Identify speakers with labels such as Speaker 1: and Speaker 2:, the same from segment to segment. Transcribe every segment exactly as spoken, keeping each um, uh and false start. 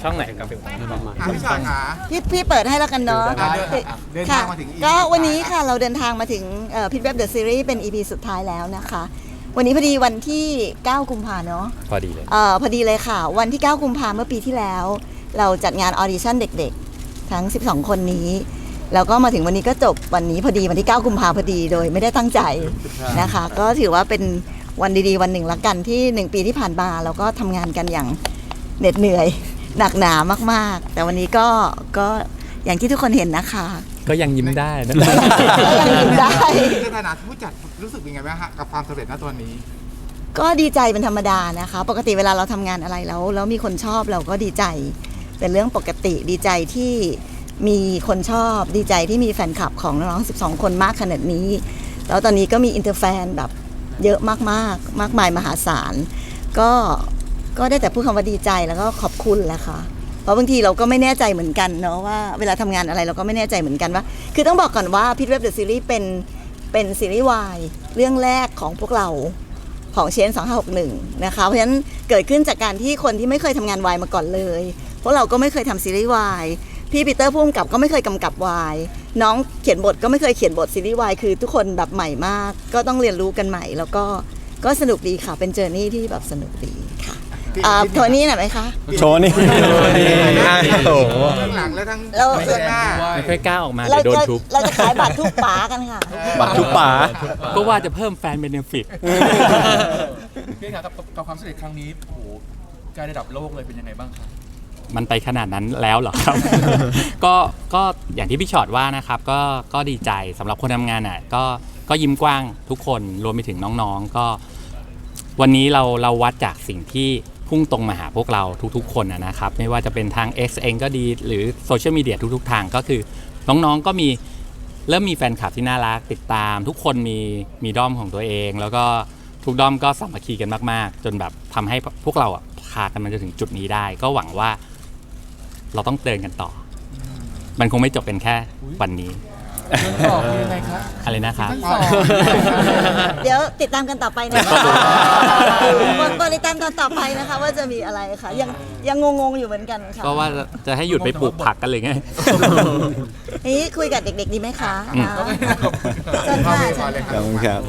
Speaker 1: ช่องไหนครับพี่
Speaker 2: ชอนค่ะ
Speaker 3: พี่พี่เปิดให้แล้วกันเนาะ
Speaker 2: เดินทางมาถึง
Speaker 3: ก็วันนี้ค่ะเราเดินทางมาถึงพิทเว็บเดอะซีรีส์เป็น อี พี สุดท้ายแล้วนะคะวันนี้พอดีวันที่เก้ากุมภาเนาะ
Speaker 1: พอดีเลย
Speaker 3: เอ่อพอดีเลยค่ะวันที่เก้ากุมภาเมื่อปีที่แล้วเราจัดงานออดิชั่นเด็กๆทั้งสิบสองคนนี้แล้วก็มาถึงวันนี้ก็จบวันนี้พอดีวันที่เก้ากุมภาพอดีโดยไม่ได้ตั้งใจนะคะก็ถือว่าเป็นวันดีๆวันหนึ่งละกันที่หนึ่งปีที่ผ่านมาเราก็ทำงานกันอย่างเหน็ดเหนื่อยหนักหนามากๆแต่วันนี้ก็ก็อย่างที่ทุกคนเห็นนะคะ
Speaker 1: ก็ยังยิ้มได้นะ
Speaker 3: ยังยิ้มได้
Speaker 2: ในฐานะผู้จัดรู้สึกยังไงบ้างฮะกับความสำเร็จณตอนนี้
Speaker 3: ก็ดีใจเป็นธรรมดานะคะปกติเวลาเราทำงานอะไรแล้วแล้วมีคนชอบเราก็ดีใจเป็นเรื่องปกติดีใจที่มีคนชอบดีใจที่มีแฟนคลับของน้องๆสิบสองคนมากขนาดนี้แล้วตอนนี้ก็มีอินเตอร์แฟนแบบเยอะมากๆมากมายมหาศาลก็ก็ได้แต่พูดคำว่าดีใจแล้วก็ขอบคุณแหละค่ะเพราะบางทีเราก็ไม่แน่ใจเหมือนกันเนาะว่าเวลาทำงานอะไรเราก็ไม่แน่ใจเหมือนกันว่าคือต้องบอกก่อนว่าพิทเว็บเดอะซีรีส์เป็นเป็นซีรีส์วายเรื่องแรกของพวกเราของเชนสองห้าหกหนึ่งนะคะเพราะฉะนั้นเกิดขึ้นจากการที่คนที่ไม่เคยทำงานวายมาก่อนเลยพวกเราก็ไม่เคยทำซีรีส์วายพี่ปีเตอร์ผู้กำกับก็ไม่เคยกำกับวายน้องเขียนบทก็ไม่เคยเขียนบทซีรีส์วายคือทุกคนแบบใหม่มากก็ต้องเรียนรู้กันใหม่แล้วก็ก็สนุกดีค่ะเป็นเจอร์นี่ที่แบบสนุกดีค่ะโทนี่หน่อยไหมคะ
Speaker 4: โชว์นี่โอ้โห
Speaker 2: ทั้งหลังและทั้ง
Speaker 3: เรา
Speaker 2: เบื้องหน้า
Speaker 1: ไม่ค่อยกล้าออกมาเดี๋ยวโดนทุบ
Speaker 3: เราจะขายบัตรทุกป๋ากันค่ะ
Speaker 4: บัตรทุกป๋า
Speaker 1: ก็ว่าจะเพิ่มแฟนเบเนฟิต
Speaker 5: พี่ครับกับความสำเร็จครั้งนี้โอ้โหการระดับโลกเลยเป็นยังไงบ้างครับ
Speaker 1: มันไปขนาดนั้นแล้วเหรอครับ ก็ก็อย่างที่พี่ชอตว่านะครับก็ก็ดีใจสำหรับคนทำงานอ่ะก็ก็ยิ้มกว้างทุกคนรวมไปถึงน้องๆก็วันนี้เราเราวัดจากสิ่งที่พุ่งตรงมาหาพวกเราทุกๆคนนะครับไม่ว่าจะเป็นทาง X เองก็ดีหรือโซเชียลมีเดียทุกๆทางก็คือน้องๆก็มีเริ่มมีแฟนคลับที่น่ารักติดตามทุกคนมีมีด้อมของตัวเองแล้วก็ทุกด้อมก็สามัคคีกันมากๆจนแบบทำให้พวกเราอ่ะพากันมาจนถึงจุดนี้ได้ก็หวังว่าเราต้องเดินกันต่อมันคงไม่จบเป็นแค่วันนี้
Speaker 5: ต่อยังไงครับ
Speaker 1: อะไรนะครับ
Speaker 3: เดี๋ยวติดตามกันต่อไปนะคะบริตามกันต่อไปนะคะว่าจะมีอะไรค่ะยังยังงงๆอยู่เหมือนกันค่ะ
Speaker 1: ก็ว่าจะให้หยุดไปปลูกผักกันเลยไง
Speaker 3: นี่คุยกับเด็กๆดีไหมคะเชิญค่ะ
Speaker 4: ขอบคุณครับ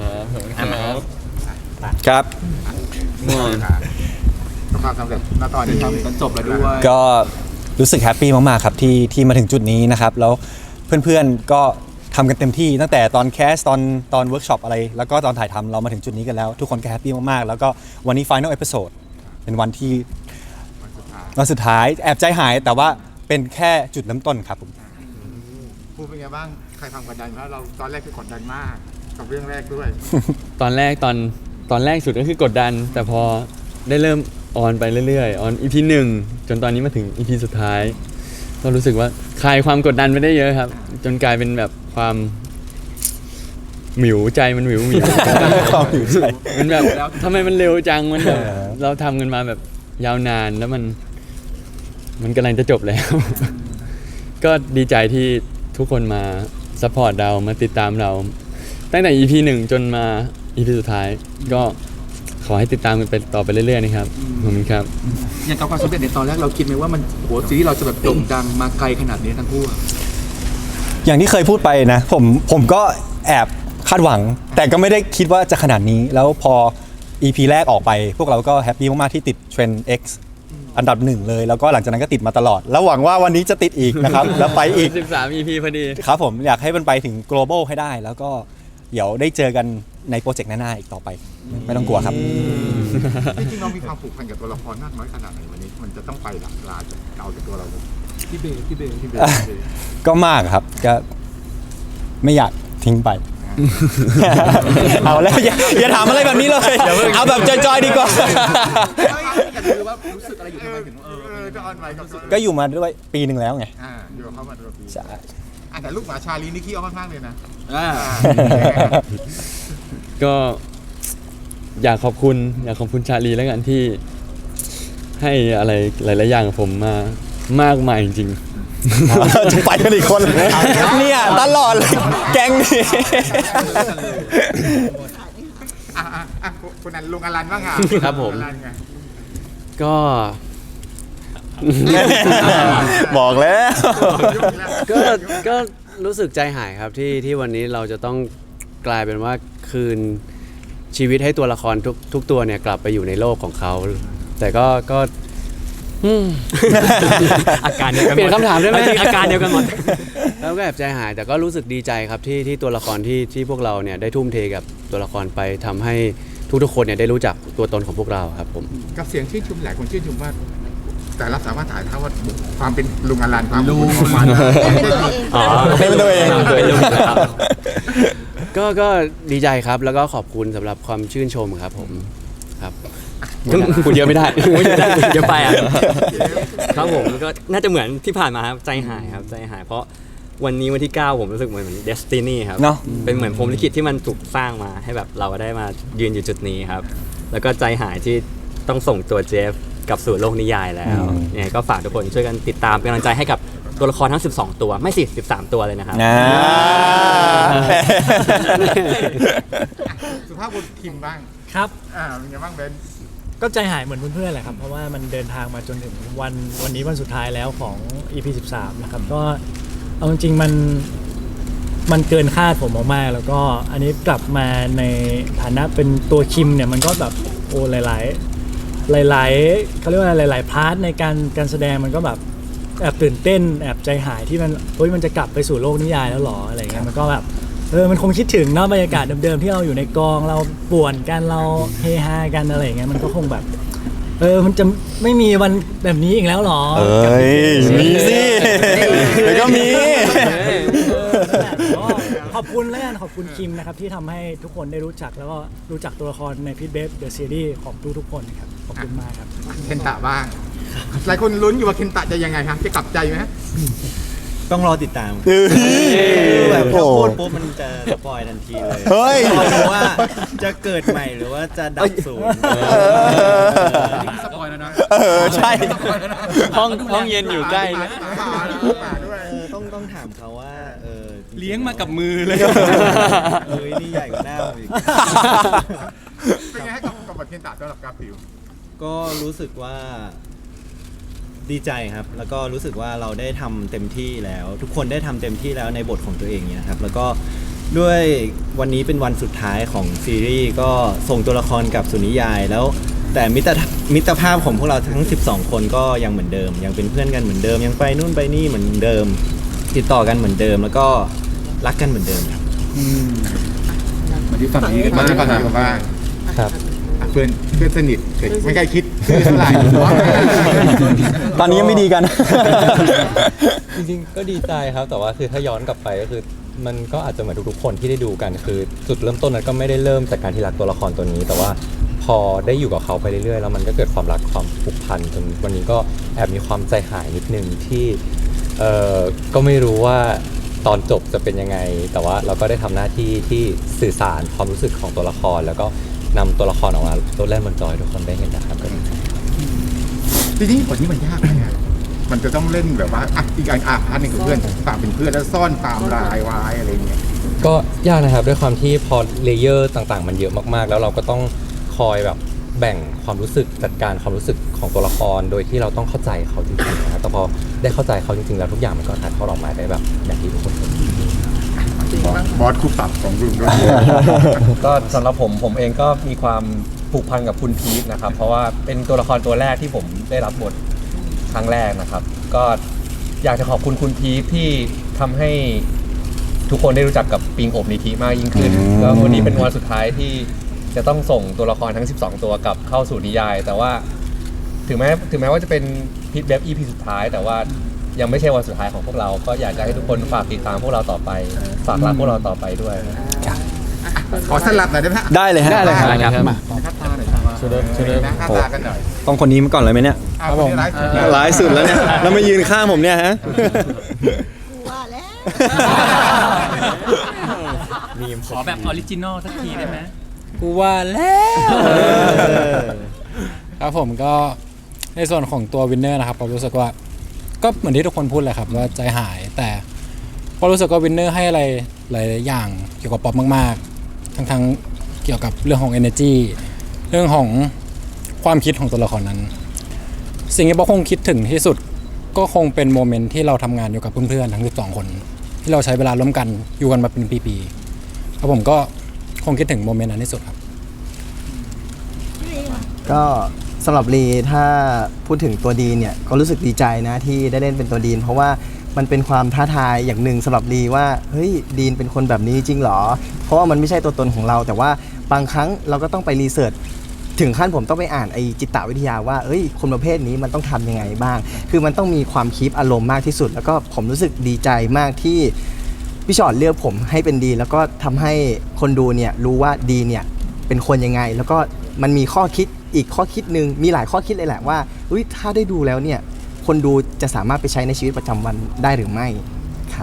Speaker 4: ครับ
Speaker 2: ความสำเร็จณตอนนี้ทำกันจบแล้วด้วย
Speaker 4: ก็รู้สึกแฮปปี้มากๆครับที่ที่มาถึงจุดนี้นะครับแล้วเพื่อนๆก็ทำกันเต็มที่ตั้งแต่ตอนแคสตอนตอนเวิร์กช็อปอะไรแล้วก็ตอนถ่ายทำเรามาถึงจุดนี้กันแล้วทุกคนก็แฮปปี้มากๆแล้วก็วันนี้ Final Episode เป็นวันที่วันสุดท้ายแอบใจหายแต่ว่าเป็นแค่จุดเริ่มต้นครับผม
Speaker 2: พูดเป็นไงบ้างใครทำกดดันเพราะเราตอนแรกคือกดดันมากกับเรื่องแรกด้วย
Speaker 6: ตอนแรกตอนตอนแรกสุดก็คือกดดันแต่พอได้เริ่มออนไปเรื่อยๆออน อี พี หนึ่งจนตอนนี้มาถึง อี พี สุดท้ายก็รู้สึกว่าคลายความกดดันไปได้เยอะครับจนกลายเป็นแบบความหมิวใจมันหมิวหมิว
Speaker 4: ความหมิวใจ
Speaker 6: มันแบบทำไมมันเร็วจังมันแบบเราทำกันมาแบบยาวนานแล้วมันมันกำลังจะจบแล้วก็ดีใจที่ทุกคนมาซัพพอร์ตเรามาติดตามเราตั้งแต่ อี พี หนึ่งจนมา อี พี สุดท้ายก็ขอให้ติดตามกันไปต่อไปเรื่อยๆนะครับขอบคุณครับ
Speaker 5: อย่างกับความสำเร็จในตอนแรกเราคิดไหมว่ามันโหซีรีส์เราจะแบบโด่งดังมาไกลขนาดนี้ทั้งคู่
Speaker 4: อย่างที่เคยพูดไปนะผมผมก็แอบคาดหวังแต่ก็ไม่ได้คิดว่าจะขนาดนี้แล้วพอ อี พี แรกออกไปพวกเราก็แฮปปี้มากๆที่ติดเทรนด์ X อันดับหนึ่งเลยแล้วก็หลังจากนั้นก็ติดมาตลอดแล้วหวังว่าวันนี้จะติดอีกนะครับแล้วไปอีก
Speaker 6: สิบสาม อี พี พอดี
Speaker 4: ครับผมอยากให้มันไปถึง global ให้ได้แล้วก็เดี๋ยวได้เจอกันในโปรเจกต์หน้าๆอีกต่อไปไม่ต้องกลัวครับ
Speaker 2: จริงๆเรามีความผูกพันกับตัวละครมากน้อยขนาดไหนวันนี้มันจะต้องไปหลักลาจากเอาจากตัวเรา
Speaker 5: พี่เบย์พี่เบย์พี่เบ
Speaker 4: ย์ก็มากครับก็ไม่อยากทิ้งไปเอาแล้วอย่าอย่าถามอะไรแบบนี้เลยเอาแบบจอยๆดีกว่า
Speaker 5: อยากรู้ว่ารู้สึกอะไรอยู่ทำไมถึงเออจะออนไลน์
Speaker 4: ก็อยู่มาด้วยปีหนึ่งแล้วไง
Speaker 2: อ่าอยู่กับเขามาด้วยปี
Speaker 4: ใช่
Speaker 2: แต่ลูกหมาชาลีนี่ขี้อ้อนมากเลยนะ
Speaker 6: ก็อยากขอบคุณอยากขอบคุณชาลีแล้วกันที่ให้อะไรหลายๆอย่างกับผมมามากมายจริง
Speaker 4: ๆจะไปกันอีกคนเนี่ยตลอดเลยแก๊งนี้
Speaker 2: คุณนันลุงอลันบ้างอ่ะ
Speaker 6: ครับผมก็
Speaker 4: บอกแล้ว
Speaker 7: ก็ก็รู้สึกใจหายครับที่ที่วันนี้เราจะต้องกลายเป็นว่าคืนชีวิตให้ตัวละครทุกทุกตัวเนี่ยกลับไปอยู่ในโลกของเขา แต่ก็ก็อืม
Speaker 8: อาการเดียวกันหมด
Speaker 7: เปลี่ยนคำถามได้ไหม
Speaker 8: จริงๆอาการเดียวกันหมด
Speaker 7: แล้วก็แอบใจหายแต่ก็รู้สึกดีใจครับที่ที่ตัวละครที่ที่พวกเราเนี่ยได้ทุ่มเทกับตัวละครไปทำให้ทุกๆคนเนี่ยได้รู้จักตัวตนของพวกเราครับผม
Speaker 2: กับเสียงชื่นชมหลายคนชื่นชมว่า แต่ละสามารถถ่ายทอดว่าความเป็นลุงอลันความเป็นลุงของมัน
Speaker 3: เป็นตัวเอง
Speaker 8: อ๋อ
Speaker 4: เป็นตัวเอง
Speaker 8: เป็นลุงครับ
Speaker 7: ก็ก็ดีใจครับแล้วก็ขอบคุณสำหรับความชื่นชมครับผมครับพูดเยอะไม่ได้
Speaker 8: เดี๋ยวไปอ่ะครับผมก็น่าจะเหมือนที่ผ่านมาครับใจหายครับใจหายเพราะวันนี้วันที่เก้าผมรู้สึกเหมือนเหมือน Destiny ครับ
Speaker 4: เนอะ
Speaker 8: เป็นเหมือนพรหมลิขิตที่มันถูกสร้างมาให้แบบเราได้มายืนอยู่จุดนี้ครับ แล้วก็ใจหายที่ต้องส่งตัวเจฟกลับสู่โลกนิยายแล้วยังไงก็ฝากทุกคนช่วยกันติดตามเป็นกำลังใจให้กับตัวละครทั้งสิบสองตัวไม่สิสิบสามตัวเลยนะครับ
Speaker 4: นะ
Speaker 2: สุภาพบุรุษคิมบ้าง
Speaker 9: ครับ
Speaker 2: อ่าเป็นไงบ้างเบน
Speaker 9: ก็ใจหายเหมือนเพื่อนๆแหละครับ เพราะว่ามันเดินทางมาจนถึงวันวันนี้วันสุดท้ายแล้วของ อี พี สิบสามนะครับก็เอาจริงๆมันมันเกินคาดผมมากๆแล้วก็อันนี้กลับมาในฐานะเป็นตัวคิมเนี่ยมันก็แบบโอ้หลายๆหลายๆเขาเรียกว่าหลายๆพาร์ทในการการแสดงมันก็แบบแอบตื่นเต้นแอบใจหายที่มันเฮ้ยมันจะกลับไปสู่โลกนิยายแล้วหรออะไรเงี้ยมันก็แบบเออมันคงคิดถึงเนาะบรรยากาศเดิมๆที่เราอยู่ในกองเราป่วนกันเราเฮฮากันอะไรอย่างเงี้ยมันก็คงแบบเออมันจะไม่มีวันแบบนี้อีกแล้วหรอ
Speaker 4: เอ้ยมีสิเดี๋ยวก็มี
Speaker 9: ก็ขอบคุณแล้วกันขอบคุณคิมนะครับที่ทำให้ทุกคนได้รู้จักแล้วก็รู้จักตัวละครในพีทเบฟเดอะซีรีส์ของทุกๆคนครับขอบคุณมากครับ
Speaker 2: เคนตะบ้าง หลายคนลุ้นอยู่ว่าเคนตะจะยังไงฮะจะกลับใจไหมฮะ
Speaker 10: ต้องรอติดตาม
Speaker 4: เฮ้ย
Speaker 10: แบบ
Speaker 4: โอ้
Speaker 10: ถ้า
Speaker 4: โห
Speaker 10: พูดปุ๊บมันจะสปอยทันทีเลย
Speaker 4: เฮ้ย
Speaker 10: รอดูว่าจะเกิดใหม่หรือว่าจะดับศูนย์
Speaker 5: สปอยแล้วนะ
Speaker 4: เออใช่
Speaker 6: ห้องห้องเย็นอยู่ใกล้นะ
Speaker 2: หมาหมาด้วย
Speaker 10: เออต้องต้องถามเขาว่าเออจริๆ
Speaker 6: เลี้ยงมากับมือเลย
Speaker 10: เอ้ยนี่ใหญ่กว่าหน้าผมอีก
Speaker 2: เป็นไงให้กับกับบทเคนตะสำหรับกราฟิว
Speaker 10: ก็รู้สึกว่าดีใจครับ แล้วก็รู้สึกว่าเราได้ทำเต็มที่แล้ว ทุกคนได้ทำเต็มที่แล้วในบทของตัวเองเนี่ยครับ แล้วก็ด้วยวันนี้เป็นวันสุดท้ายของซีรีส์ก็ส่งตัวละครกลับสู่นิยาย แล้วแต่มิตรมิตรภาพของพวกเราทั้งสิบสองคนก็ยังเหมือนเดิม ยังเป็นเพื่อนกันเหมือนเดิม ยังไปนู่นไปนี่เหมือนเดิม ติดต่อกันเหมือนเดิม แล้วก็รักกันเหมือนเดิมครับ
Speaker 5: มาที่ฝั่งนี้กัน
Speaker 2: มา
Speaker 5: บ้าง
Speaker 2: ที่ฝั่งนี้กันบ้าง
Speaker 4: ครับ
Speaker 2: อ่ะเพื่อนเพื่อนสนิทไม่ใกล้คิดชื่อเท่าไหร่
Speaker 4: ตอนนี้ยังไม่ดีกัน
Speaker 11: จริงๆก็ดีใจครับแต่ว่าคือถ้าย้อนกลับไปก็คือมันก็อาจจะเหมือนทุกๆคนที่ได้ดูกันคือจุดเริ่มต้นนั้นก็ไม่ได้เริ่มจากการที่รักตัวละครตัวนี้ แต่ว่าพอได้อยู่กับเขาไปเรื่อยๆแล้วมันก็เกิดความรักความผูกพันจนวันนี้ก็แอบมีความใจหายนิดนึงที่เอ่อก็ไม่รู้ว่าตอนจบจะเป็นยังไง แต่ว่าเราก็ได้ทำหน้าที่ที่สื่อสารความรู้สึกของตัวละคร แล้วก็นำตัวละครออกมาโลดแล่นบนจอให้ทุกคนได้เห็นนะครับก็ดีใจ
Speaker 2: จริงๆบทนี้มันยากไหมอะมันจะต้องเล่นแบบว่าอ่ะอีกอันอ่ะอันหนึงคือเพื่อนต่างเป็นเพื่อนแล้วซ่อนความลายไว้อะไรเงี้ย
Speaker 11: ก็ยากนะครับด้วยความที่พอเลเยอร์ต่างๆ มันเยอะมากๆ แล้วเราก็ต้องคอยแบบแบ่งความรู้สึกจัดการความรู้สึกของตัวละครโดยที่เราต้องเข้าใจเขาจริงๆนะครับแต่พอได้เข้าใจเขาจริงๆแล้วทุกอย่างมันก็ถ่ายทอดออกมาได้แบบอย่างที่ทุกคนเห็น
Speaker 2: บอสคู่ปรับของรุ่นด้วย
Speaker 11: ก็สำหรับผมผมเองก็มีความผูกพันกับคุณพีทนะครับเพราะว่าเป็นตัวละครตัวแรกที่ผมได้รับบทครั้งแรกนะครับก็อยากจะขอบคุณคุณพีทที่ทำให้ทุกคนได้รู้จักกับปิงอบนิธิมากยิ่งขึ้นแล้ววันนี้เป็นวันสุดท้ายที่จะต้องส่งตัวละครทั้งสิบสองตัวกลับเข้าสู่นิยาย แต่ว่าถึงแม้ถึงแม้ว่าจะเป็นพีทเว็บ อี พี สุดท้ายแต่ว่ายังไม่ใช่วันสุดท้ายของพวกเราก็อยากจะให้ทุกคนฝากติดตามพวกเราต่อไปฝากรักพวกเราต่อไปด้วย
Speaker 2: ขอสลับหน่อยได้ไหมฮะ
Speaker 4: ได้เลยฮะ
Speaker 6: ได้เลยครับ
Speaker 2: หน้าตาหน่อยครับ
Speaker 6: ช่วยด้วยช่วยด้วย
Speaker 2: หน้าตากันหน่อย
Speaker 4: ต้องคนนี้มาก่อนเลยไหมเนี่ย
Speaker 2: ครับผม
Speaker 4: ร้ายสุดแล้วเนี่ย แล้วมายืนข้างผมเนี่ยฮะ
Speaker 3: ว่าแล้ว
Speaker 1: ขอแบบออริจินอลสักทีได้ไหม
Speaker 6: กูว่าแล้ว
Speaker 9: ครับผมก็ในส่วนของตัววินเนอร์นะครับผมรู้สึกว่าก็เหมือนที่ทุกคนพูดแหละครับว่าใจหายแต่ก็รู้สึกว่าวินเนอร์ให้อะไรหลายอย่างเกี่ยวกับป๊อปมากๆทั้งทั้งเกี่ยวกับเรื่องของ energy เรื่องของความคิดของตัวละครนั้น
Speaker 12: สิ่งที่ป๊อกคงคิดถึงที่สุดก็คงเป็นโมเมนต์ที่เราทำงานอยู่กับเพื่อนๆทั้งสิบสองคน ที่เราใช้เวลาร่วมกันอยู่กันมาเป็นปีๆแล้วผมก็คงคิดถึงโมเมนต์นั้นที่สุดครับ
Speaker 13: ก็สำหรับลีถ้าพูดถึงตัวดีนเนี่ยก็รู้สึกดีใจนะที่ได้เล่นเป็นตัวดีนเพราะว่ามันเป็นความท้าทายอย่างหนึ่งสำหรับลีว่าเฮ้ยดีนเป็นคนแบบนี้จริงเหรอเพราะว่ามันไม่ใช่ตัวตนของเราแต่ว่าบางครั้งเราก็ต้องไปรีเสิร์ชถึงขั้นผมต้องไปอ่านไอจิตวิทยาว่าเอ้ยคนประเภทนี้มันต้องทำยังไงบ้างคือมันต้องมีความคีปอารมณ์มากที่สุดแล้วก็ผมรู้สึกดีใจมากที่พี่ชอตเลือกผมให้เป็นดีแล้วก็ทำให้คนดูเนี่ยรู้ว่าดีเนี่ยเป็นคนยังไงแล้วก็มันมีข้อคิดอีกข้อคิดหนึ่งมีหลายข้อคิดเลยแหละว่าอุ้ยถ้าได้ดูแล้วเนี่ยคนดูจะสามารถไปใช้ในชีวิตประจำวันได้หรือไม่ครับ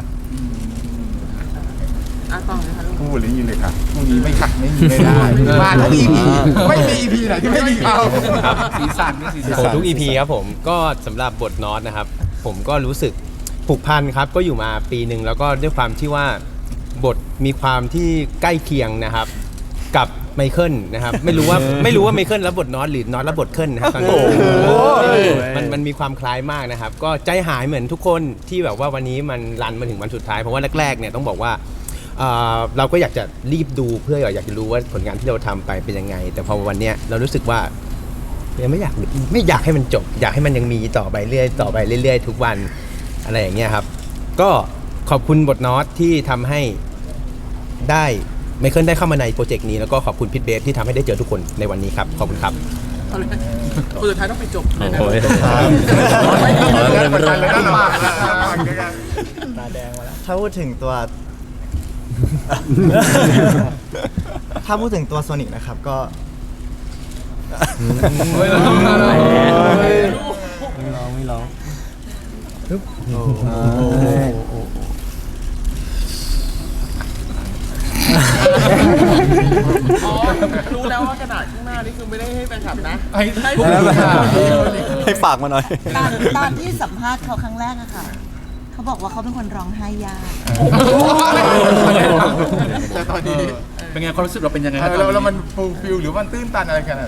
Speaker 2: อ่ะต่อเลยค่ะพูดเลยนี่เลยครับพรุ่งนี้ไม่ขัดไม่มีไม่ได้มาทุก อี พี ไม่มี อี พี ไหนที่ไม่มีเขา
Speaker 5: สีสันนี่สี
Speaker 11: โอ้
Speaker 5: สัน
Speaker 11: ทุก อี พี ครับผมก็สำหรับบทน็อตนะครับผมก็รู้สึกผูกพันครับก็อยู่มาปีหนึ่งแล้วก็ด้วยความที่ว่าบทมีความที่ใกล้เคียงนะครับกับไมเคิลนะครับไม่รู้ว่าไม่รู้ว่าไมเคิลรับบทน็อตหรือน็อตรับบทเคิลนะครับตอนนี้มันมันมีความคล้ายมากนะครับก็ใจหายเหมือนทุกคนที่แบบว่าวันนี้มันรันมาถึงวันสุดท้ายเพราะว่าแรกๆเนี่ยต้องบอกว่าเอ่อเราก็อยากจะรีบดูเพื่ออยากจะรู้ว่าผลงานที่เราทำไปเป็นยังไงแต่พอวันเนี้ยเรารู้สึกว่ายังไม่อยากไม่อยากให้มันจบอยากให้มันยังมีต่อไปเรื่อยต่อไปเรื่อยๆทุกวันอะไรอย่างเงี้ยครับก็ขอบคุณบทน็อตที่ทำให้ได้ไมเคิลได้เข้ามาในโปรเจกต์นี้แล้วก็ขอบคุณพิทเบฟที่ทำให้ได้เจอทุกคนในวันนี้ครับขอบคุณครับ
Speaker 5: คนสุดท้ายต้องไปจบเลยนะ
Speaker 6: โอ้ย
Speaker 9: ตาแดงมาแล้ว
Speaker 13: ถ้าพูดถึงตัว ถ้าพูดถึงตัวโซนิกนะครับก็ไม่ร้องไม่ร้องไม่ร้องปึ๊บโอ้โห
Speaker 5: รู้แล้วว่ากระดาษข้างหน้านี่คือไม่ได้ให้แฟนคลับนะให้
Speaker 4: ให้ฝากมาหน่อย
Speaker 3: ตอนตอนที่สัมภาษณ์เขาครั้งแรกอะค่ะเขาบอกว่าเขาเป็นคนร้องไห้ยาก
Speaker 2: แต่ตอนนี้
Speaker 5: เป็นไงความรู้สึกเราเป็นยังไง
Speaker 2: เราเรามันฟูลฟิลหรือมันตื้นตันอะไรกันอะไร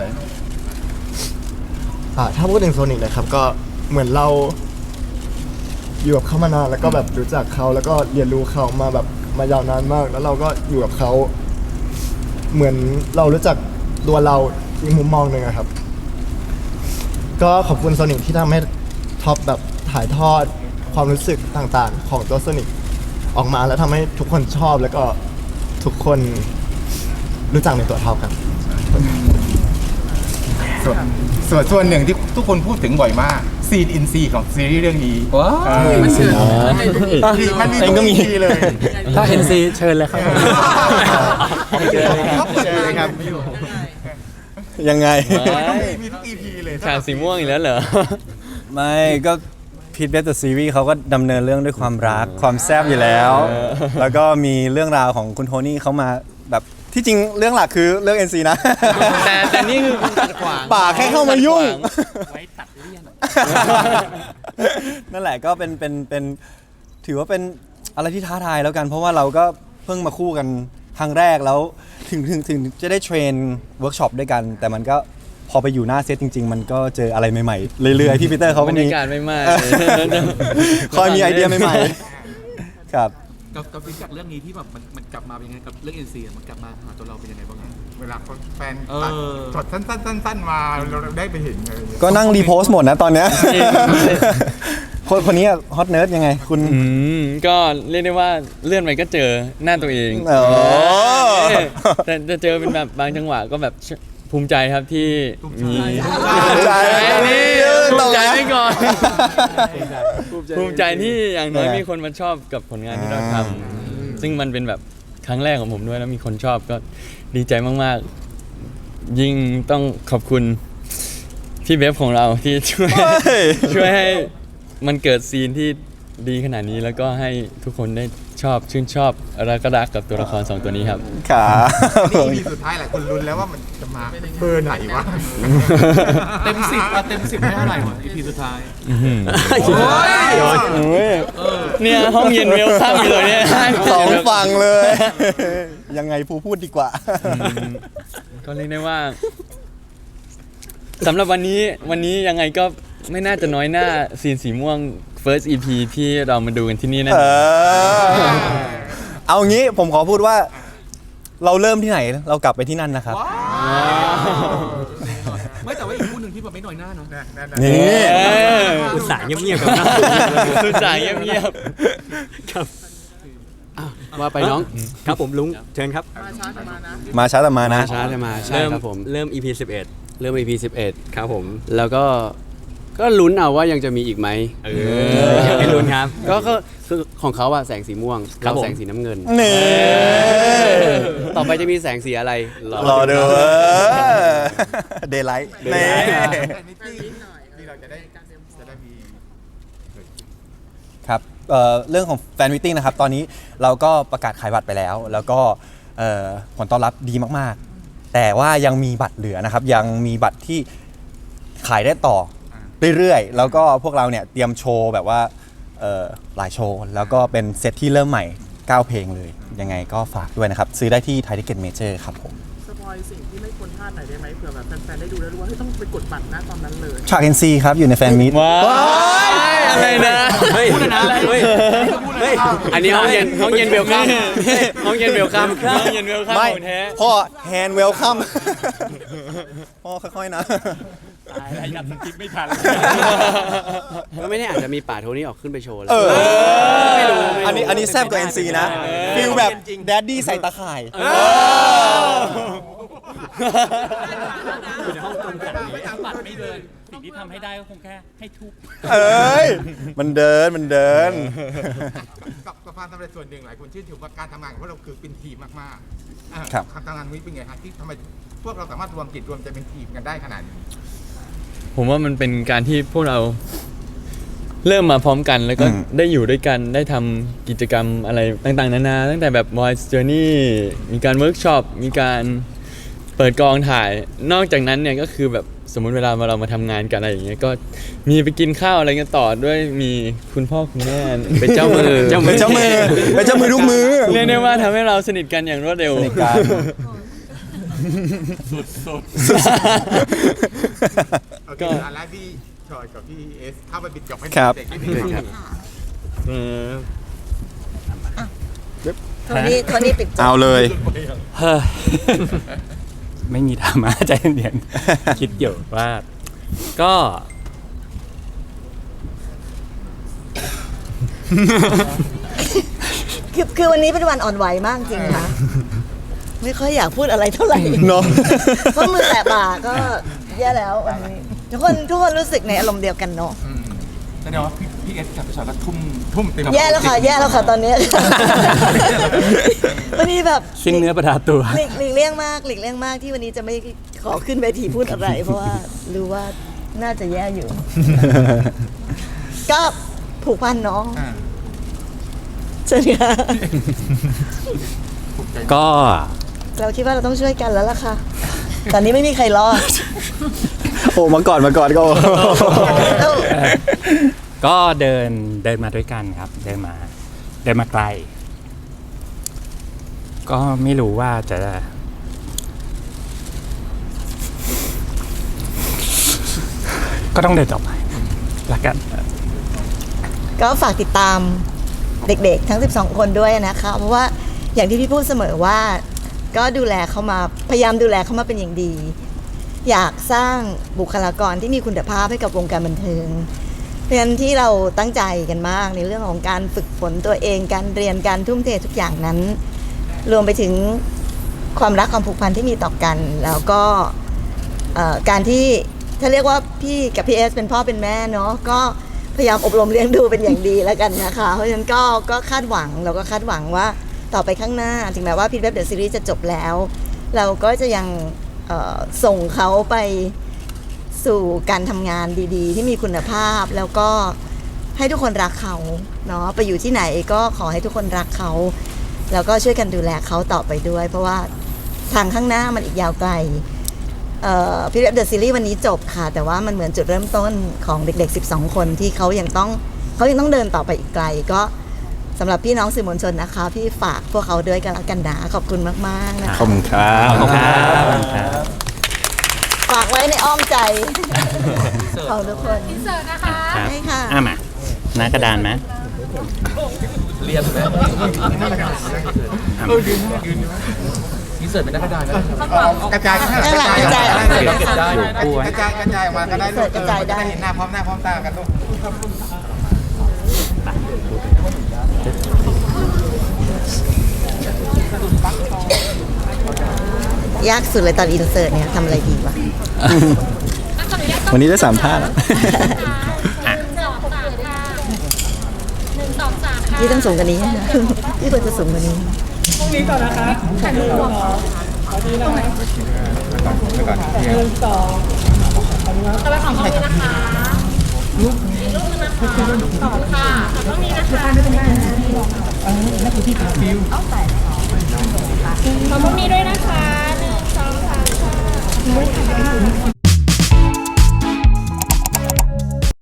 Speaker 13: อ่าถ้าพูดถึงโซนิกนะครับก็เหมือนเราอยู่กับเขามานานแล้วก็แบบรู้จักเขาแล้วก็เรียนรู้เขามาแบบมายาวนานมากแล้วเราก็อยู่กับเขาเหมือนเรารู้จักตัวเราอีกมุมมองหนึ่งอะครับก็ขอบคุณโซนิกที่ทำให้ท็อปแบบถ่ายทอดความรู้สึกต่างๆของตัวโซนิกออกมาแล้วทำให้ทุกคนชอบแล้วก็ทุกคนรู้จักในตัวท็อปครับ
Speaker 2: ส่วนส่วนส่วนหนึ่งที่ทุกคนพูดถึงบ่อยมากซีนอินซีของซีรีส์เรื่องนี้ว้าวมันเชื่อมันมีทุก อี พี เลย
Speaker 9: ถ้าเอ็นซีเชิญเลยครับ
Speaker 2: เจอเลยครับ
Speaker 4: ยังไง
Speaker 2: มีทุก อี พี เลย
Speaker 6: ฉากสีม่วงอีกแล้วเหรอ
Speaker 4: ไม่ก็พีทเบสต์ซีรีส์เขาก็ดำเนินเรื่องด้วยความรักความแซ่บอยู่แล้ว แล้วก็มีเรื่องราวของคุณโทนี่เขามาแบบที่จริงเรื่องหลักคือเรื่อง เอ็น ซี นะ
Speaker 6: แต่แต่นี่คือคุณขัดขวาง
Speaker 4: ป่าแค่เข้ามายุ่ง
Speaker 6: ไว้ตัดเลี่ยน
Speaker 4: นั่นแหละก็เป็นเป็นเป็นถือว่าเป็นอะไรที่ท้าทายแล้วกัน เพราะว่าเราก็เพิ่งมาคู่กันครั้งแรกแล้วถึงถึงถึงจะได้เทรนเวิร์กช็อปด้วยกัน แต่มันก็พอไปอยู่หน้าเซตจริง ๆ มันก็เจออะไรใหม่ๆเรื่อยๆพี่ปีเตอร์เขาก็
Speaker 6: บร
Speaker 4: มี
Speaker 6: รยากาศไม่มาก
Speaker 4: คอยมีไอเดียใหม่ๆครับ
Speaker 5: กับกับฟีดจากเรื่องนี้ที่แบบมันมันกลับมาเป็นยังไงกับเรื่อง เอ็น ซี มันกลับมาหาตัวเราเป็นยังไงบ้าง
Speaker 2: เวลาแฟนตัดช็อตสั้นๆๆมาเราได้ไปเห็นเลย
Speaker 4: ก็นั่งรีโพสต์หมดนะตอนเนี้ยคนคนนี้ฮอตเนิร์ดยังไงคุณ
Speaker 6: อืมก็เรียกได้ว่าเลื่อนไปก็เจอหน้าตัวเอง
Speaker 4: อ๋อ
Speaker 6: เออแต่จะเจอเป็นแบบบางจังหวะก็แบบภูมิใจครับที่มี
Speaker 4: ภูมิใจ
Speaker 6: นี่
Speaker 4: ภู
Speaker 6: ภู
Speaker 4: มิ
Speaker 6: มิ
Speaker 4: ใจ
Speaker 6: ใจไว้ก่อน
Speaker 4: ภูมิใจ
Speaker 6: ภูมิใจที่อย่างน้อย
Speaker 4: เออ
Speaker 6: มีคนมาชอบกับผลงานที่เราทำซึ่งมันเป็นแบบครั้งแรกของผมด้วยแล้วมีคนชอบก็ดีใจมากๆ ยิ่งต้องขอบคุณพี่เบฟของเราที่ช่วยช่วยให้มันเกิดซีนที่ดีขนาดนี้แล้วก็ให้ทุกคนได้ชอบชื่นชอบรักกระดักกับตัวละครสองตัวนี้ครับ
Speaker 4: ค่ะ
Speaker 2: นี่ อี พี สุดท้ายหลายคนลุ้นแล้วว่ามันจะมาเบอร์ไหนวะ
Speaker 5: เต็มสิบอะเต็มสิบให้เท่าไหร่วะ อี พี สุดท้าย
Speaker 6: เนี่ยห้องเย็นเวลคัมอยู่เลยเนี่ย
Speaker 4: สองฝั่งเลย ยังไงภูพูดดีกว่า
Speaker 6: ก็เรียกได้ว่าสำหรับวันนี้วันนี้ยังไงก็ไม่น่าจะน้อยหน้าซีนสีม่วง first อี พี ที่เรามาดูกันที่นี่แน่น
Speaker 4: เอ
Speaker 6: อน
Speaker 4: อเอางี้ผมขอพูดว่า เราเริ่มที่ไหนเรากลับไปที่นั่นนะครับ
Speaker 5: ไม่แต่ว่าอีกคู่หนึ่งที่แบบไม่น้อยหน้าเนาะ
Speaker 4: นี่
Speaker 8: อุตส่าห์เงียบๆกับเรา
Speaker 6: อุตส่าห์เงียบ
Speaker 8: ครับ
Speaker 7: ว่าไปน้อง
Speaker 8: ครับผมลุงเชิญครับ
Speaker 4: มาช้าแต่มานะ
Speaker 7: มาช้าแต่มาใช่
Speaker 8: เริ่ม
Speaker 7: ครับผม
Speaker 8: เริ่ม อี พี สิบเอ็ด
Speaker 7: เริ่ม อี พี สิบเอ็ด
Speaker 8: ครับผม
Speaker 7: แล้วก็ก็ลุ้นเอาว่ายังจะมีอีกไหม
Speaker 8: เอออยากให้ลุ้นครับ
Speaker 7: ก็ก็คือของเขาอะแสงสีม่วง
Speaker 8: ครับ
Speaker 7: เรา
Speaker 8: ผม
Speaker 7: แสงสีน้ำเงิน
Speaker 4: นี่
Speaker 7: ต่อไปจะมีแสงสีอะไร
Speaker 4: รอดูเดย์ไลท์นี่
Speaker 2: ที่เราจะได้จะได้มี
Speaker 4: ครับเอ่อเรื่องของแฟนมิทติ้งนะครับ ตอนนี้เราก็ประกาศขายบัตรไปแล้ว แล้วก็เอ่อผลตอบรับดีมากๆ แต่ว่ายังมีบัตรเหลือนะครับ ยังมีบัตรที่ขายได้ต่อเรื่อยๆ แล้วก็พวกเราเนี่ยเตรียมโชว์แบบว่าเอ่อหลายโชว์ แล้วก็เป็นเซตที่เริ่มใหม่เก้าเพลงเลย ยังไงก็ฝากด้วยนะครับ ซื้อได้ที่ไทยทิเก็ตเมเจอร์ครับผม
Speaker 14: สปอยสิ่งที่ไม่ควรพลาดหน่อยได้ไหมเผื่อแบบแฟนๆได้ดูแล้วรู้ว่าเฮ้ยต้องไปกดบัตรนะตอนนั้นเลย
Speaker 4: ฉาก เอ็น ซี ครับอยู่ในแฟนมิต
Speaker 6: ว้าวอะไรนะ
Speaker 8: เฮ้ยเฮ้ยเฮ้ย
Speaker 7: อันนี้ห้องเย็นห้องเย็นเวลคัมห้องเย็นเวลคัม
Speaker 6: ห้องเย็นเวลคัม
Speaker 4: ไม่
Speaker 6: ของแท้
Speaker 4: พ่อแฮนด์เวลคัมพ่อค่อยๆนะ
Speaker 1: ตายแล้วยัดสกิปไม่ทัน
Speaker 7: ก็ไม่แน่อาจจะมีป่าโทนี่ออกขึ้นไปโชว์แล้ว
Speaker 4: เออ
Speaker 7: ไม่รู้ไม่รู้
Speaker 4: อันนี้อันนี้แซ่บกว่า เอ็น ซี นะฟิลแบบแดดดี้ใส่ตาข่าย
Speaker 1: อยู่ในห้องตรงกันนี้บัตรไม่เดิน สิ่งที่ทำให้ได้ก็คงแค่ให้ทุบ
Speaker 4: เอ้ย มันเดิน มันเดิน
Speaker 2: กับกับความสำเร็จส่วนหนึ่งหลายคนชื่นชมว่าการทำงานของพวกเราคือเป็นทีมมากๆอ่ะ
Speaker 4: ครับ
Speaker 2: การทำงานนี้เป็นไงฮะที่ทำไมพวกเราสามารถรวมจิตรวมใจเป็นทีมกันได้ขนาดนี้
Speaker 6: ผมว่ามันเป็นการที่พวกเราเริ่มมาพร้อมกันแล้วก็
Speaker 4: อืม
Speaker 6: ได้อยู่ด้วยกันได้ทำกิจกรรมอะไรต่างๆนานาตั้งแต่แบบ Voice Journey มีการเวิร์กช็อปมีการเปิดกองถ่าย นอกจากนั้นเนี่ยก็คือแบบสมมุติเวลาเรามาทำงานกันอะไรอย่างเงี้ยก็มีไปกินข้าวอะไรกันต่อด้วยมีคุณพ่อคุณแม่เป็นเจ้ามือ
Speaker 4: เป็นเจ้ามือเป็นเจ้ามือทุกมือ
Speaker 6: เรียกได้ว่าทำให้เราสนิทกันอย่างรวดเร็ว
Speaker 4: สนิทกัน
Speaker 1: สุด
Speaker 2: โอเคอันแรกพี่ชอยกับพี่เอสเข้าไปปิดจบให้
Speaker 4: ครับ
Speaker 2: เด็กนิดนึงครับ
Speaker 6: เออ
Speaker 3: โทนี่โทนี่ปิดจบ
Speaker 4: เอาเลย
Speaker 1: เฮ้ย ไม่มีดราม่าใจเย็นๆ คิดอยู่ว่า ก็
Speaker 3: คือคือวันนี้เป็นวันอ่อนไหวมากจริงค่ะ ไม่ค่อยอยากพูดอะไรเท่าไหร่
Speaker 4: เนาะ
Speaker 3: เพราะมือแตะบ่าก็แย่แล้ววันนี้ทุกคนทุกคนรู้สึกในอารมณ์เดียวกันเนาะ
Speaker 5: แสดงว่าพี่พี่เอสกับพี่ชอยก็ทุ่ม
Speaker 2: ทุ่มเต็ม
Speaker 3: แย่แล้วค่ะ แย่แล้วค่ะตอนนี้ วันนี้แบบ
Speaker 1: สิ้นเนื้อประดาตัว
Speaker 3: หลีกหลีกเลี่ยงมากหลีกเลี่ยงมากที่วันนี้จะไม่ขอขึ้นเวทีพูดอะไร เพราะว่ารู้ว่าน่าจะแย่อยู่ ก็ผูกพันเนาะ
Speaker 2: อ่า
Speaker 3: เชิญค่ะ
Speaker 1: ก็
Speaker 3: เราคิดว่าเราต้องช่วยกันแล้วล่ะค่ะ ตอนนี้ไม่มีใครรอด
Speaker 4: โอ้มาก่อนมาก่อนก็
Speaker 1: ก็เดินเดินมาด้วยกันครับ เดินมา เดินมาไกล ก็ไม่รู้ว่าจะ ก็ต้องเดินต่อไปละกัน
Speaker 3: ก็ฝากติดตามเด็กๆ ทั้ง สิบสอง คนด้วยนะคะ เพราะว่าอย่างที่พี่พูดเสมอว่าก็ดูแลเขามาพยายามดูแลเขามาเป็นอย่างดี อยากสร้างบุคลากรที่มีคุณภาพให้กับวงการบันเทิงเพราะฉะนั้นที่เราตั้งใจกันมากในเรื่องของการฝึกฝนตัวเองการเรียนการทุ่มเททุกอย่างนั้น รวมไปถึงความรักความผูกพันที่มีต่อกัน แล้วก็เอ่อการที่ถ้าเรียกว่าพี่กับพี่เอสเป็นพ่อเป็นแม่เนาะก็พยายามอบรมเลี้ยงดูเป็นอย่างดีแล้วกันนะคะเพราะฉะนั้นก็ก็คาดหวังเราก็คาดหวังว่าต่อไปข้างหน้าถึงแม้ว่าพีทเว็บเดอะซีรีส์จะจบแล้ว เราก็จะยังเอ่อส่งเขาไปสู่การทำงานดีๆ ที่มีคุณภาพแล้วก็ให้ทุกคนรักเขาเนาะไปอยู่ที่ไหนก็ขอให้ทุกคนรักเขาแล้วก็ช่วยกันดูแลเขาต่อไปด้วย เพราะว่าทางข้างหน้ามันอีกยาวไกลพีทเว็บเดอะซีรีส์วันนี้จบค่ะแต่ว่ามันเหมือนจุดเริ่มต้นของเด็กๆสิบสองคนที่เขายังต้องเขายังต้องเดินต่อไปอีกไกลก็สำหรับพี่น้องสื่อมวลชนนะคะพี่ฝากพวกเขาด้วยกันแล้วกันนะขอบคุณมากๆนะคะ
Speaker 4: ขอบคุณครับ
Speaker 1: ขอบคุณครับ
Speaker 3: ฝากไว้ในอ้อมใจของทุกคน
Speaker 15: อินเสิร์ตนะคะ
Speaker 1: ครับ
Speaker 3: ใช่ค่ะ
Speaker 1: อ่ะมาหน้ากระดานไหม
Speaker 5: เรียนไหมเออยืนยืนมีเสิร์ฟเป็นนักกระดานนะ
Speaker 2: กระจายกระ
Speaker 3: ข้างหลังกระจาย
Speaker 2: กระจาย
Speaker 5: เก็บได้
Speaker 2: กระจายกระจายมาก็ได้ลูก
Speaker 3: กระจายได้
Speaker 2: เออจะเห็นหน้าพร้อมหน้าพร้อมตากันลูก
Speaker 3: ยากสุดเลยตอนอินเสิร์ตเนี่ยทำอะไรดีวะ
Speaker 4: วันนี้ได้สามท่าแล้ว
Speaker 15: หนึ่งสองสามค่ะ
Speaker 3: พี่ต้องสูงกว่านี้นะพี่ควรจะสูงกว่านี้
Speaker 14: พรุ่งนี้ก่อนนะคะถ่ายรูปก่อนขอดีนะหนึ่งสองต่อไปของตรงนี้นะคะรูปอีกรูปนึงนะคะสองค่ะตรงนี้นะคะนั่นคือที่ฟิวเอาใส่ขอตรงนี้ด้วยนะคะหนึ่งสองสามค่ะ